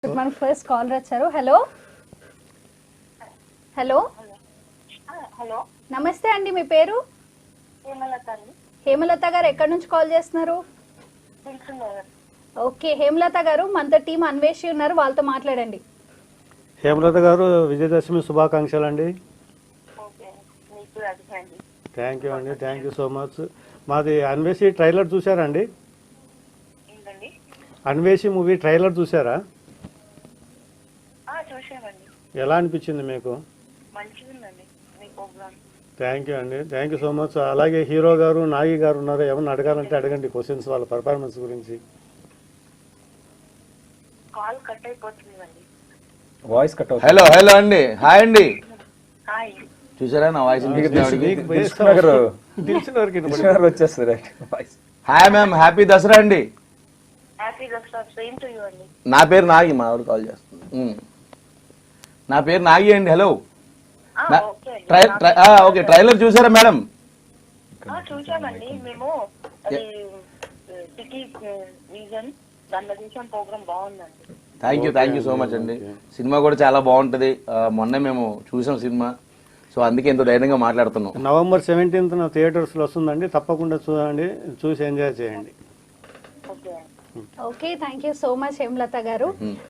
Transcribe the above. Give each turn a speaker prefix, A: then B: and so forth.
A: మనకు first call వచ్చారు. Hello hello
B: hello
A: నమస్తే అండి, మీ పేరు?
B: హేమలత అండి.
A: హేమలత గారు ఎక్కడి నుంచి కాల్ చేస్తున్నారు?
B: తెలుసున్నారు.
A: ఓకే హేమలత గారు, మనతో టీం అన్వేషి ఉన్నారు, వాళ్ళతో మాట్లాడండి.
C: హేమలత గారు, విజయదశమి శుభాకాంక్షలు అండి.
B: ఓకే మీకు అర్థమైంది.
C: థ్యాంక్ యూ అండి, థ్యాంక్ యూ సో మచ్. మాది అన్వేషి ట్రైలర్ చూసారా అండి?
B: ఏంటండి?
C: అన్వేషి మూవీ ట్రైలర్ చూసారా?
B: చూసామండి.
C: ఎలా అనిపించింది మీకు?
B: మంచిగా ఉందండి మీ ప్రోగ్రామ్.
C: థ్యాంక్ యూ అండి, థ్యాంక్ యూ సో మచ్. అలాగే హీరో గారు, నాగి గారు ఉన్నారు, ఏమన్నా అడగాలంటే అడగండి క్వశ్చన్స్ వాళ్ళ పర్ఫార్మెన్స్ గురించి.
B: కాల్ కట్ అయిపోతుందండి.
D: వాయిస్ కట్ అవుతుంది.
E: హలో హలో అండి, హాయ్ అండి.
B: హాయ్.
E: చూసారా నా వాయిస్
C: తెలిసిన వరకు
D: వచ్చేస్తుంది voice.
E: Hi ma'am, happy Dasara అండి.
B: Happy Dasara. Same to you అండి.
E: నా పేరు నాగి, మా ఆవిడ కాల్ చేస్తుంది. నా పేరు నాగి అండి. హలో.
B: ఓకే అండి.
E: ఓకే, ట్రైలర్ చూసారా మేడం?
B: చూసామండి మేము. అది సిటీ రీజన్ దాంట్లో చూసాం. ప్రోగ్రామ్ బాగుందండి.
E: థ్యాంక్ యూ సో మచ్ అండి. సినిమా కూడా చాలా బాగుంటది. మొన్నే మేము చూసాం సినిమా, సో అందుకే ఎంతో ధైర్యంగా మాట్లాడుతున్నాం.
C: నవంబర్ 17th థియేటర్స్లో వస్తుందండి, తప్పకుండా చూడండి, చూసి ఎంజాయ్ చేయండి.
B: Okay.
A: Okay thank you so much Hemalatha గారు.